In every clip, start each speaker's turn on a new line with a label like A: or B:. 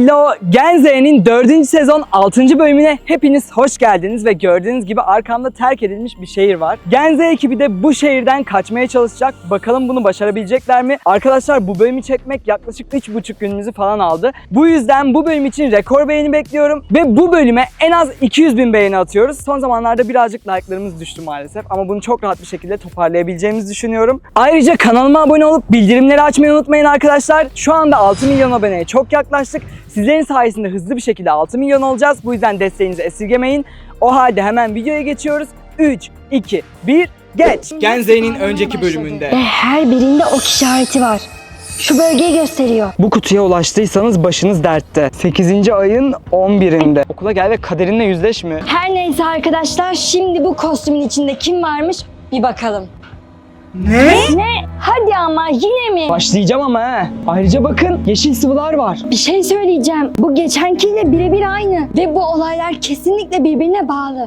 A: Hello! Genze'nin 4. sezon 6. bölümüne hepiniz hoş geldiniz ve gördüğünüz gibi arkamda terk edilmiş bir şehir var. Genze ekibi de bu şehirden kaçmaya çalışacak. Bakalım bunu başarabilecekler mi? Arkadaşlar bu bölümü çekmek yaklaşık 3,5 günümüzü falan aldı. Bu yüzden bu bölüm için rekor beğeni bekliyorum ve bu bölüme en az 200.000 beğeni atıyoruz. Son zamanlarda birazcık like'larımız düştü maalesef ama bunu çok rahat bir şekilde toparlayabileceğimizi düşünüyorum. Ayrıca kanalıma abone olup bildirimleri açmayı unutmayın arkadaşlar. Şu anda 6 milyon aboneye çok yaklaştık. Sizlerin sayesinde hızlı bir şekilde 6 milyon olacağız. Bu yüzden desteğinizi esirgemeyin. O halde hemen videoya geçiyoruz. 3, 2, 1, geç! Genze'nin önceki bölümünde.
B: Ve her birinde ok işareti var. Şu bölgeyi gösteriyor.
A: Bu kutuya ulaştıysanız başınız dertte. 8. ayın 11'inde. Okula gel ve kaderinle yüzleşme.
B: Her neyse arkadaşlar, şimdi bu kostümün içinde kim varmış bir bakalım.
A: Ne?
B: Ne? Hadi ama yine mi?
A: Başlayacağım ama he. Ayrıca bakın yeşil sıvılar var.
B: Bir şey söyleyeceğim. Bu geçenkiyle birebir aynı. Ve bu olaylar kesinlikle birbirine bağlı.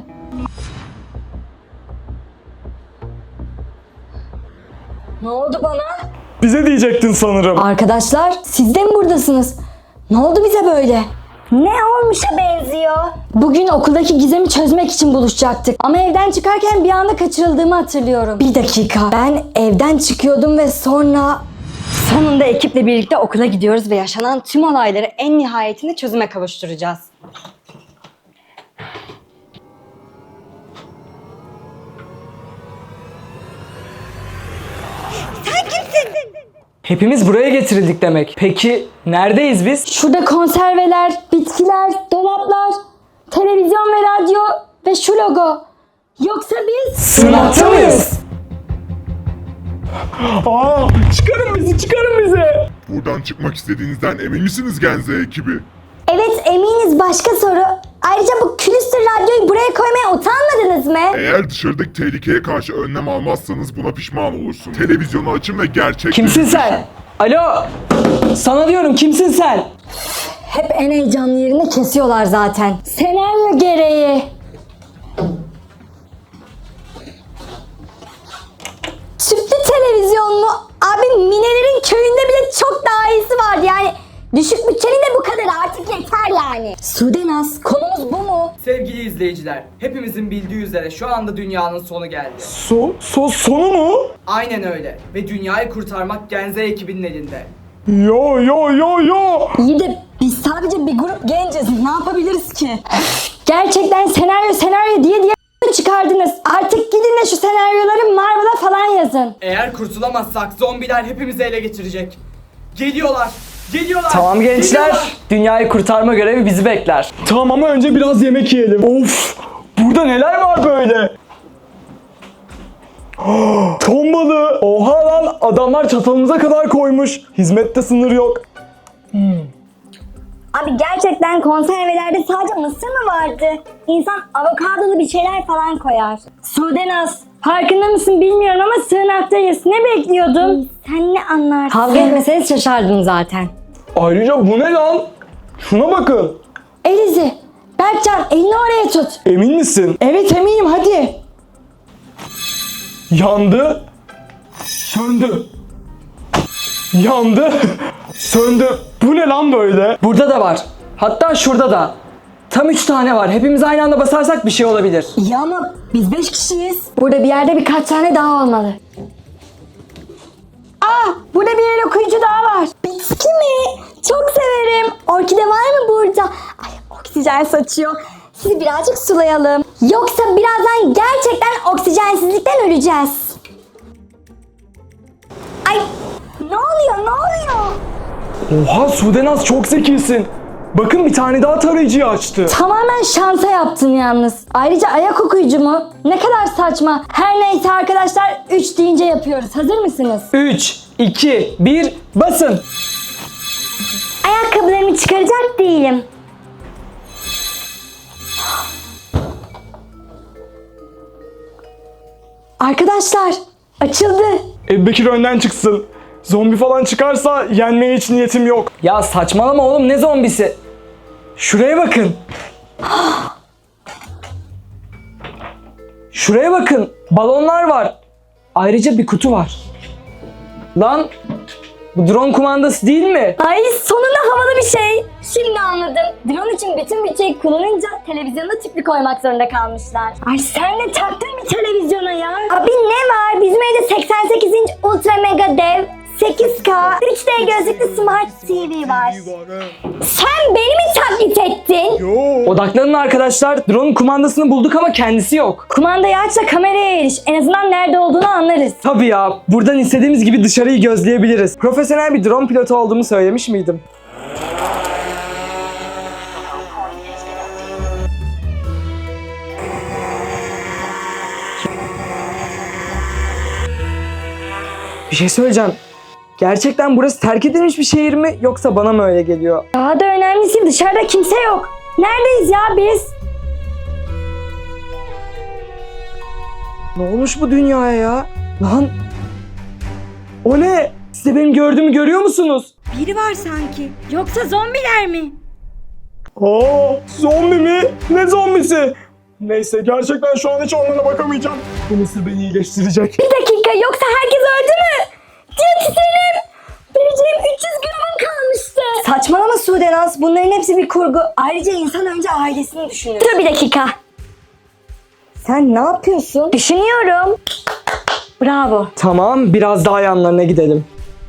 B: Ne oldu bana?
A: Bize diyecektin sanırım.
B: Arkadaşlar, siz de mi buradasınız? Ne oldu bize böyle? Ne olmuşa benziyor? Bugün okuldaki gizemi çözmek için buluşacaktık. Ama evden çıkarken bir anda kaçırıldığımı hatırlıyorum. Bir dakika. Ben evden çıkıyordum ve sonra... Sonunda ekiple birlikte okula gidiyoruz ve yaşanan tüm olayları en nihayetinde çözüme kavuşturacağız.
A: Hepimiz buraya getirildik demek. Peki neredeyiz biz?
B: Şurada konserveler, bitkiler, dolaplar, televizyon ve radyo ve şu logo. Yoksa biz...
A: Sınavda mıyız? Aa, çıkarın bizi!
C: Buradan çıkmak istediğinizden emin misiniz Genze ekibi?
B: Evet, eminiz. Başka soru. Ayrıca bu külüstür radyoyu buraya koymaya utanmadınız mı?
C: Eğer dışarıdaki tehlikeye karşı önlem almazsanız buna pişman olursunuz. Televizyonu açın ve gerçekleri...
A: Kimsin sen? Alo! Sana diyorum kimsin sen?
B: Hep en heyecanlı yerini kesiyorlar zaten. Senaryo gereği. Tüplü televizyon mu? Abi Minelerin köyünde bile çok daha iyisi vardı yani. Düşük bütçenin de bu kadar, artık yeter yani. Sudenaz, konumuz bu mu?
D: Sevgili izleyiciler, hepimizin bildiği üzere şu anda dünyanın sonu geldi.
A: Sonu mu?
D: Aynen öyle ve dünyayı kurtarmak Genze ekibinin elinde.
A: Yo.
B: İyi de biz sadece bir grup genciz. Ne yapabiliriz ki? Gerçekten senaryo diye çıkardınız. Artık gidin de şu senaryoları Marvel'a falan yazın.
D: Eğer kurtulamazsak zombiler hepimizi ele geçirecek. Geliyorlar.
A: Tamam gençler,
D: Geliyorlar.
A: dünyayı kurtarma görevi bizi bekler. Tamam ama önce biraz yemek yiyelim. Of! Burada neler var böyle? Ton balığı! Oha lan! Adamlar çatalımıza kadar koymuş. Hizmette sınır yok.
B: Abi gerçekten konservelerde sadece mısır mı vardı? İnsan avokadolu bir şeyler falan koyar. Sudenaz, farkında mısın bilmiyorum ama sığınaktayız. Ne bekliyordun? Sen ne anlarsın? Kavga etmeseniz şaşardım zaten.
A: Ayrıca bu ne lan? Şuna bakın.
B: Elizi, Berkcan elini oraya tut.
A: Emin misin? Evet eminim, hadi. Yandı. Söndü. Yandı. Söndü. Bu ne lan böyle? Burada da var. Hatta şurada da. Tam 3 tane var. Hepimiz aynı anda basarsak bir şey olabilir.
B: İyi ama biz 5 kişiyiz. Burada bir yerde birkaç tane daha olmalı. Burada bir el okuyucu daha var. Bitki mi? Çok severim. Orkide var mı burada? Ay, oksijen saçıyor. Sizi birazcık sulayalım. Yoksa birazdan gerçekten oksijensizlikten öleceğiz. Ay, ne oluyor?
A: Oha Sudenaz, çok zekisin. Bakın bir tane daha tarayıcıyı açtı.
B: Tamamen şansa yaptım yalnız. Ayrıca ayak okuyucu mu? Ne kadar saçma. Her neyse arkadaşlar, 3 deyince yapıyoruz. Hazır mısınız?
A: 3, 2, 1 basın.
B: Ayakkabılarımı çıkaracak değilim. Arkadaşlar, açıldı.
A: Bekir önden çıksın. Zombi falan çıkarsa yenmeye hiç niyetim yok. Ya saçmalama oğlum, ne zombisi? Şuraya bakın. Şuraya bakın. Balonlar var. Ayrıca bir kutu var. Lan Bu drone kumandası değil mi?
B: Ay sonunda havalı bir şey. Şimdi anladım. Drone için bütün bütçeyi kullanınca televizyonda tüplü koymak zorunda kalmışlar. Ay sen de taktın bir televizyona ya. Abi ne var? Bizim evde 88 inç ultra mega dev 8K 3D gözlüklü smart TV var. Sen beni mi taklit ettin?
A: Odaklanın arkadaşlar. Drone'un kumandasını bulduk ama kendisi yok.
B: Kumandayı aç da kameraya eriş. En azından nerede olduğunu anlarız.
A: Tabii ya. Buradan istediğimiz gibi dışarıyı gözleyebiliriz. Profesyonel bir drone pilotu olduğumu söylemiş miydim? Bir şey söyleyeceğim. Gerçekten burası terk edilmiş bir şehir mi yoksa bana mı öyle geliyor?
B: Daha da önemlisi dışarıda kimse yok. Neredeyiz ya biz?
A: Ne olmuş bu dünyaya ya? Lan! O ne? Siz de benim gördüğümü görüyor musunuz?
B: Biri var sanki. Yoksa zombiler mi?
E: Aa, zombi mi? Ne zombisi? Neyse gerçekten şu an hiç onlara bakamayacağım. Bu mısır beni iyileştirecek.
B: Bir dakika yoksa herkes öldü mü? Diyetisyenim! Vereceğim 300 gramım kalmıştı. Saçmalama Sudenaz. Bunların hepsi bir kurgu. Ayrıca insan önce ailesini düşünür. Dur bir dakika. Sen ne yapıyorsun? Düşünüyorum. Bravo.
A: Tamam, biraz daha yanlarına gidelim.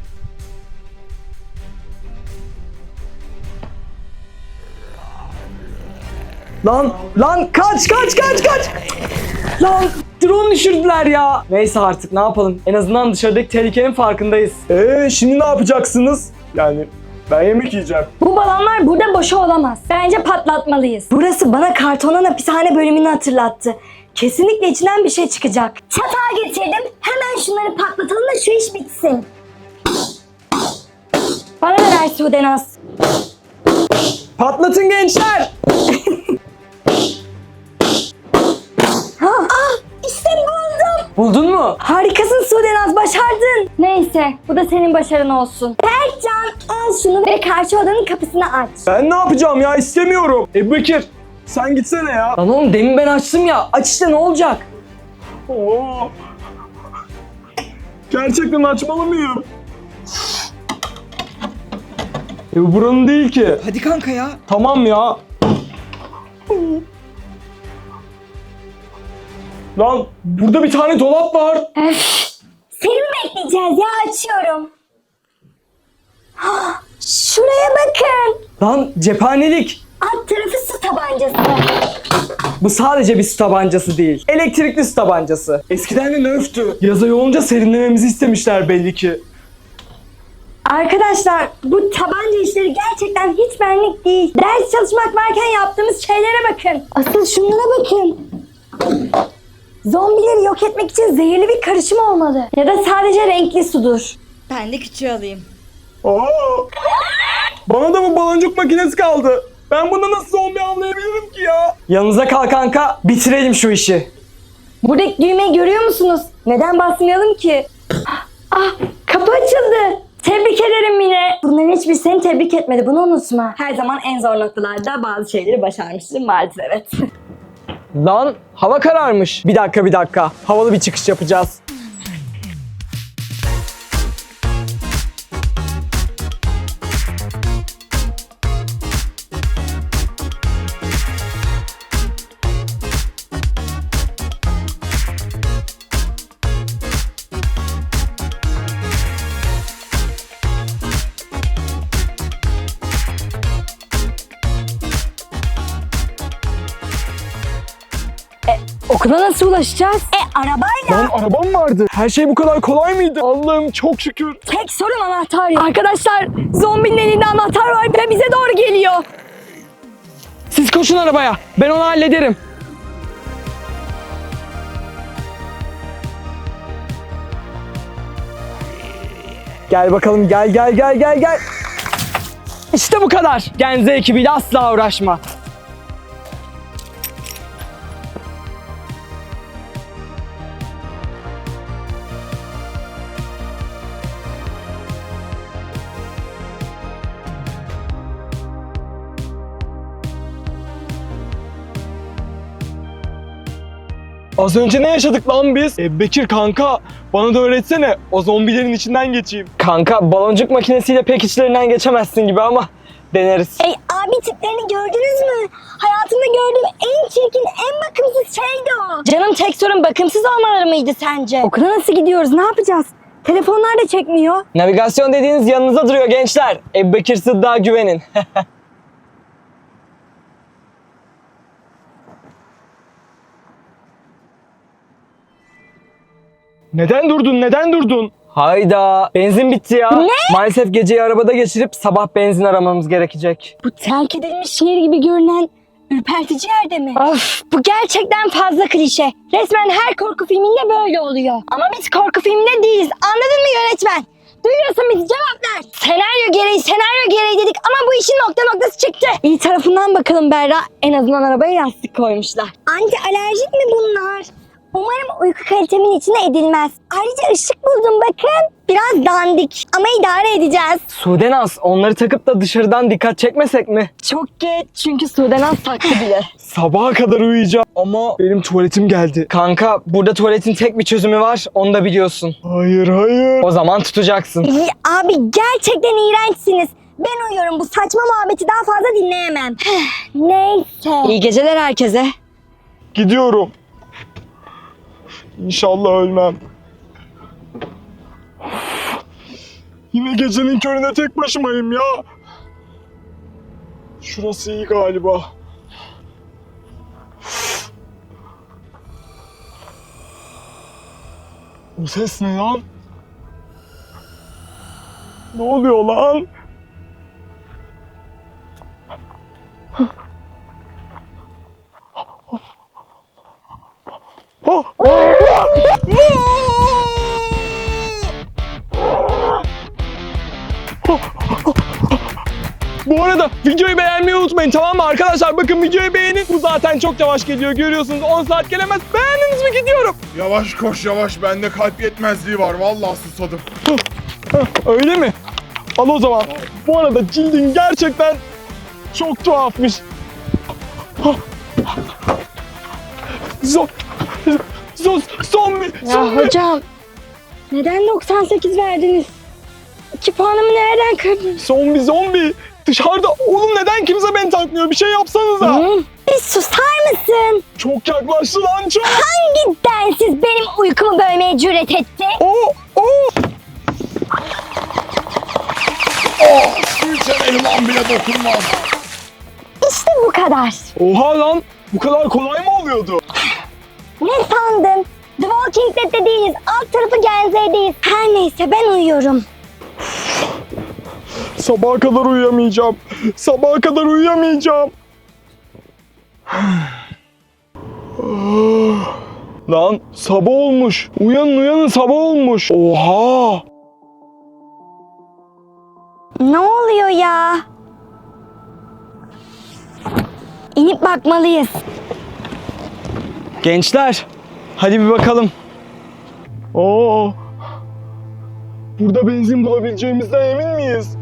A: Lan kaç! Lan drone düşürdüler ya. Neyse artık ne yapalım? En azından dışarıdaki tehlikenin farkındayız.
E: Şimdi ne yapacaksınız? Yani ben yemek yiyeceğim.
B: Bu balonlar burada boşa olamaz. Bence patlatmalıyız. Burası bana kartonun hapishane bölümünü hatırlattı. Kesinlikle içinden bir şey çıkacak. Çatağı getirdim. Hemen şunları patlatalım da şu iş bitsin. Bana ver Sudenaz.
A: Patlatın gençler!
B: İşte buldum.
A: Buldun mu?
B: Harikasın Sudenaz, başardın. Neyse, bu da senin başarın olsun. Berkcan, al şunu ve karşı odanın kapısını aç.
E: Ben ne yapacağım ya, istemiyorum. Bekir sen gitsene ya.
A: Lan oğlum demin ben açtım ya. Aç işte, ne olacak?
E: Oo. Gerçekten açmalı mıyım? Bu buranın değil ki.
A: Hadi kanka ya.
E: Tamam ya. Lan burada bir tane dolap var.
B: Seni mi bekleyeceğiz ya, açıyorum. Şuraya bakın.
A: Lan cephanelik.
B: Alt tarafı su tabancası.
A: Bu sadece bir su tabancası değil. Elektrikli su tabancası.
E: Eskiden de nöftü. Yaza olunca serinlememizi istemişler belli ki.
B: Arkadaşlar, bu tabanca işleri gerçekten hiç benlik değil. Ders çalışmak varken yaptığımız şeylere bakın. Asıl şunlara bakın. Zombileri yok etmek için zehirli bir karışım olmalı. Ya da sadece renkli sudur. Ben de küçüğü alayım.
E: Aa! Bana da bu baloncuk makinesi kaldı. Ben bunu nasıl zombi anlayabilirim ki ya?
A: Yanınıza kal kanka. Bitirelim şu işi.
B: Buradaki düğmeyi görüyor musunuz? Neden basmayalım ki? Ah, kapı açıldı. Tebrik ederim Mine. Bunların hiçbir seni tebrik etmedi, bunu unutma. Her zaman en zor noktalarda bazı şeyleri başarmıştım maalesef, evet.
A: Lan hava kararmış. Bir dakika. Havalı bir çıkış yapacağız.
B: Okula nasıl ulaşacağız? Arabayla.
E: Lan arabam vardı. Her şey bu kadar kolay mıydı? Allah'ım çok şükür.
B: Tek sorun anahtar. Arkadaşlar, zombinin elinde anahtar var ve bize doğru geliyor.
A: Siz koşun arabaya. Ben onu hallederim. Gel bakalım, gel. İşte bu kadar. Genze ekibiyle asla uğraşma.
E: Az önce ne yaşadık lan biz? Bekir kanka, bana da öğretsene. O zombilerin içinden geçeyim.
A: Kanka baloncuk makinesiyle pek içlerinden geçemezsin gibi ama deneriz.
B: Abi tiplerini gördünüz mü? Hayatımda gördüğüm en çirkin, en bakımsız şeydi o. Canım tek sorun bakımsız olmaları mıydı sence? Okula nasıl gidiyoruz? Ne yapacağız? Telefonlar da çekmiyor.
A: Navigasyon dediğiniz yanınızda duruyor gençler. Ebu Bekir Sıddık'a güvenin.
E: Neden durdun? Neden durdun?
A: Hayda, benzin bitti ya.
B: Ne?
A: Maalesef geceyi arabada geçirip sabah benzin aramamız gerekecek.
B: Bu terk edilmiş şehir gibi görünen ürpertici yerde mi? Of, bu gerçekten fazla klişe. Resmen her korku filminde böyle oluyor. Ama biz korku filminde değiliz. Anladın mı yönetmen? Duyuyorsun bizi, cevap ver. Senaryo gereği dedik ama bu işin nokta noktası çıktı. İyi tarafından bakalım Berra. En azından arabaya yastık koymuşlar. Anti alerjik mi bunlar? Umarım uyku kalitemin içine edilmez. Ayrıca ışık buldum bakın. Biraz dandik ama idare edeceğiz.
A: Sudenaz, onları takıp da dışarıdan dikkat çekmesek mi?
B: Çok geç çünkü Sudenaz taktı bile.
E: Sabaha kadar uyuyacağım ama benim tuvaletim geldi.
A: Kanka, burada tuvaletin tek bir çözümü var, onu da biliyorsun.
E: Hayır, hayır.
A: O zaman tutacaksın.
B: İyi, abi gerçekten iğrençsiniz. Ben uyuyorum, bu saçma muhabbeti daha fazla dinleyemem. Neyse. İyi geceler herkese.
E: Gidiyorum. İnşallah ölmem. Yine gecenin köründe tek başımayım ya. Şurası iyi galiba. O ses ne lan? Ne oluyor lan? Bu arada videoyu beğenmeyi unutmayın, tamam mı arkadaşlar? Bakın videoyu beğenin. Bu zaten çok yavaş geliyor, görüyorsunuz 10 saat gelemez. Beğendiniz mi? Gidiyorum.
C: Yavaş koş yavaş, bende kalp yetmezliği var. Vallahi susadım.
E: Öyle mi? Al o zaman. Bu arada cildin gerçekten çok tuhafmış. Zombi.
B: Ya hocam, neden 98 verdiniz? 2 puanımı nereden kırdınız?
E: Zombi. Dışarıda. Oğlum neden kimse beni takmıyor? Bir şey yapsanıza.
B: Bir susar mısın?
E: Çok yaklaştı lan çok.
B: Hangi densiz benim uykumu bölmeye cüret etti?
C: Su içen elman bile dokunmaz.
B: İşte bu kadar.
E: Oha lan. Bu kadar kolay mı oluyordu?
B: Ne sandın? The Walking Dead'de değiliz. Alt tarafı Genze'deyiz. Her neyse ben uyuyorum.
E: Sabaha kadar uyuyamayacağım. Sabaha kadar uyuyamayacağım. Lan sabah olmuş. Uyanın sabah olmuş. Oha.
B: Ne oluyor ya? İnip bakmalıyız.
A: Gençler, hadi bir bakalım.
E: Oo. Burada benzin bulabileceğimizden emin miyiz?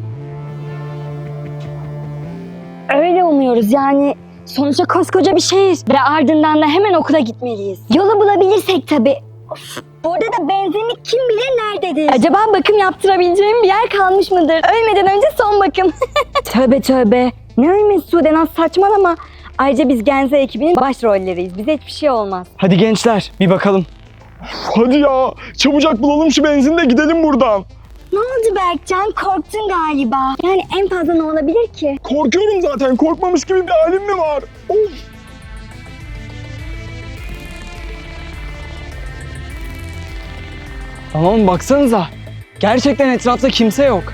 B: Öyle umuyoruz yani. Sonuçta koskoca bir şehir ve ardından da hemen okula gitmeliyiz. Yolu bulabilirsek tabii. Of, burada da benzinlik kim bilir nerededir? Acaba bakım yaptırabileceğim bir yer kalmış mıdır? Ölmeden önce son bakım. Tövbe. Ne ölmesi Sudenaz, saçmalama. Ayrıca biz Genze ekibinin başrolleriyiz. Bize hiçbir şey olmaz.
A: Hadi gençler, bir bakalım.
E: Hadi ya. Çabucak bulalım şu benzini de gidelim buradan.
B: Ne oldu Berkcan? Korktun galiba. Yani en fazla ne olabilir ki?
E: Korkuyorum zaten. Korkmamış gibi bir halim mi var? Of.
A: Tamam, baksanıza. Gerçekten etrafta kimse yok.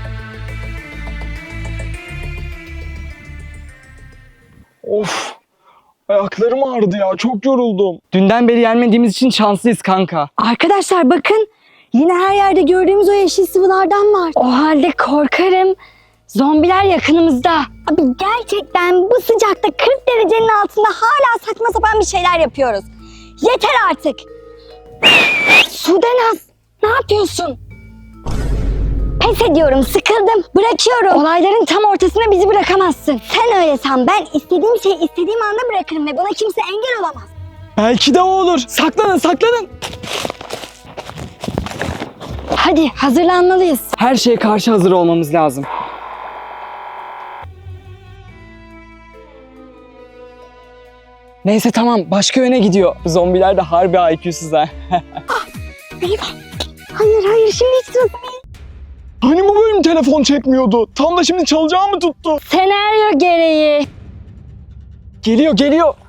E: Of. Ayaklarım ağrıdı ya. Çok yoruldum.
A: Dünden beri yenmediğimiz için şanslıyız kanka.
B: Arkadaşlar bakın. Yine her yerde gördüğümüz o yeşil sıvılardan var. O halde korkarım. Zombiler yakınımızda. Abi gerçekten bu sıcakta 40 derecenin altında hala saçma sapan bir şeyler yapıyoruz. Yeter artık. Sudenaz, ne yapıyorsun? Pes ediyorum, sıkıldım, bırakıyorum. Olayların tam ortasına bizi bırakamazsın. Sen öyle san, ben istediğim şeyi istediğim anda bırakırım ve buna kimse engel olamaz.
A: Belki de o olur. Saklanın saklanın.
B: Hadi hazırlanmalıyız.
A: Her şeye karşı hazır olmamız lazım. Neyse tamam, başka yöne gidiyor. Bu zombiler de harbi IQ'suz ha.
B: Hayır şimdi hiç sırası değil.
E: Hani bu bölüm telefon çekmiyordu? Tam da şimdi çalacağı mı tuttu?
B: Senaryo gereği.
A: Geliyor.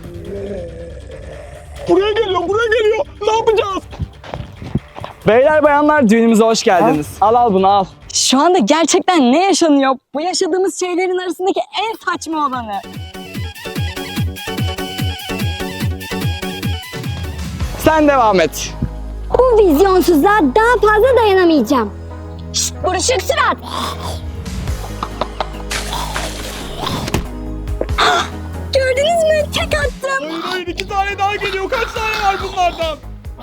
E: Buraya geliyor. Ne yapacağız?
A: Beyler bayanlar, düğünümüze hoş geldiniz. Al bunu al.
B: Şu anda gerçekten ne yaşanıyor? Bu yaşadığımız şeylerin arasındaki en saçma olanı.
A: Sen devam et.
B: Bu vizyonsuzluğa daha fazla dayanamayacağım. Şşt, buruşuk surat. Gördünüz mü? Tek attım.
E: Hayır 2 tane daha geliyor. Kaç tane var bunlardan?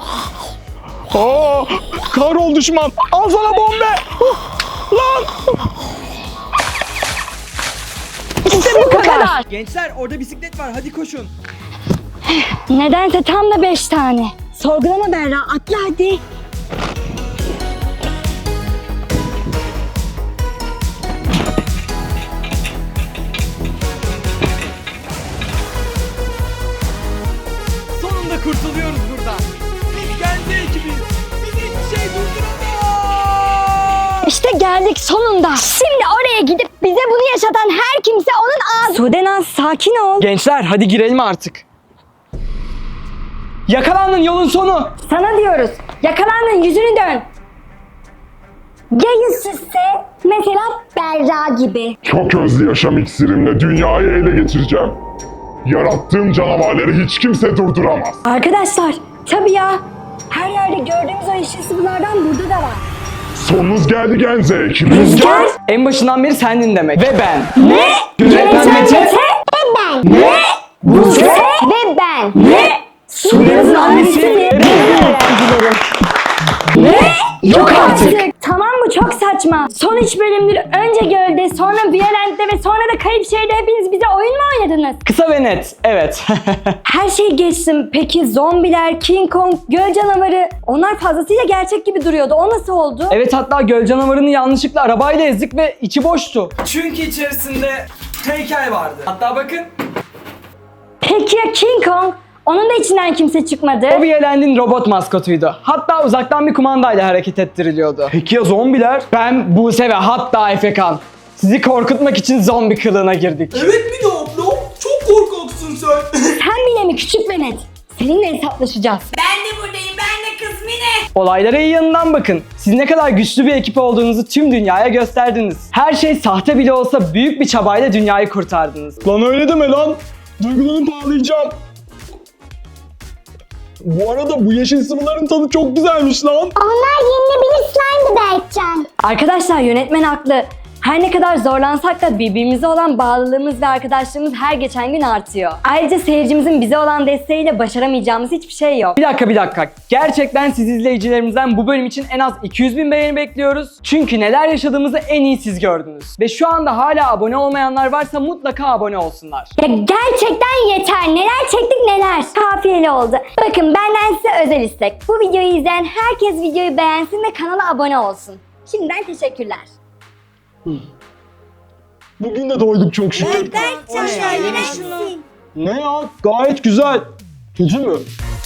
E: Aa, kahrol düşman. Al sana bombe. Lan.
B: İşte bu kadar.
A: Gençler orada bisiklet var, hadi koşun.
B: Nedense tam da 5 tane. Sorgulama Berra, atla hadi.
A: Sonunda kurtuluyoruz buradan. Biz Genze ekibiz. Bizi hiçbir şey durduramaz.
B: İşte geldik sonunda. Şimdi oraya gidip bize bunu yaşatan her kimse onun ağzı... Sudenaz sakin ol.
A: Gençler hadi girelim artık. Yakalandın, yolun sonu.
B: Sana diyoruz. Yakalandın, yüzünü dön. Ya yüzsüzse? Mesela Berra gibi.
C: Çok hızlı yaşam iksirimle dünyayı ele geçireceğim. Yarattığım canavarları hiç kimse durduramaz.
B: Arkadaşlar, tabii ya. Her yerde gördüğümüz o yeşil sıvılardan burada da var.
C: Sonunuz geldi Genze ekibi.
B: Rüzgar.
A: En başından beri sendin demek. Ve ben.
B: Ne?
A: Yönetmen Mete.
B: Ve ben. Ne? Buse. Ve ben. Ne? Sudenaz'ın annesi ve öğrencilerim. Ne? Yok artık. Tamam mı? Çok saçma. Son 3 bölümdür önce gölde, sonra Violent'te ve sonra da Kayıp Şehir'de hepiniz bize oyun mu oynadınız?
A: Kısa ve net, evet.
B: Her şeyi geçtim. Peki zombiler, King Kong, göl canavarı onlar fazlasıyla gerçek gibi duruyordu. O nasıl oldu?
A: Evet, hatta göl canavarını yanlışlıkla arabayla ezdik ve içi boştu. Çünkü içerisinde heykel vardı. Hatta bakın.
B: Peki ya King Kong? Onun da içinden kimse çıkmadı.
A: O Violent'in robot maskotuydu. Hatta uzaktan bir kumandayla hareket ettiriliyordu. Peki ya zombiler? Ben, Buse ve hatta Efekan. Sizi korkutmak için zombi kılığına girdik.
D: Evet mi de abla? Çok korkaksın sen.
B: Sen bile mi küçük ve net? Seninle hesaplaşacağız.
F: Ben de buradayım. Ben de kız Mine.
A: Olaylara iyi yanından bakın. Siz ne kadar güçlü bir ekip olduğunuzu tüm dünyaya gösterdiniz. Her şey sahte bile olsa büyük bir çabayla dünyayı kurtardınız.
E: Lan öyle deme lan. Duygulanıp ağlayacağım. Bu arada bu yeşil sıvıların tadı çok güzelmiş lan.
B: Onlar yenilebilir slime'dı Berkcan. Arkadaşlar yönetmen haklı. Her ne kadar zorlansak da birbirimize olan bağlılığımız ve arkadaşlığımız her geçen gün artıyor. Ayrıca seyircimizin bize olan desteğiyle başaramayacağımız hiçbir şey yok.
A: Bir dakika. Gerçekten siz izleyicilerimizden bu bölüm için en az 200.000 beğeni bekliyoruz. Çünkü neler yaşadığımızı en iyi siz gördünüz. Ve şu anda hala abone olmayanlar varsa mutlaka abone olsunlar.
B: Ya gerçekten yeter. Neler çektik neler. Kafiyeli oldu. Bakın benden size özel istek. Bu videoyu izleyen herkes videoyu beğensin ve kanala abone olsun. Şimdiden teşekkürler.
E: Bugün de doyduk çok şükür.
F: Berkcan yine şunu.
E: Ne ya? Gayet güzel. Kötü mü?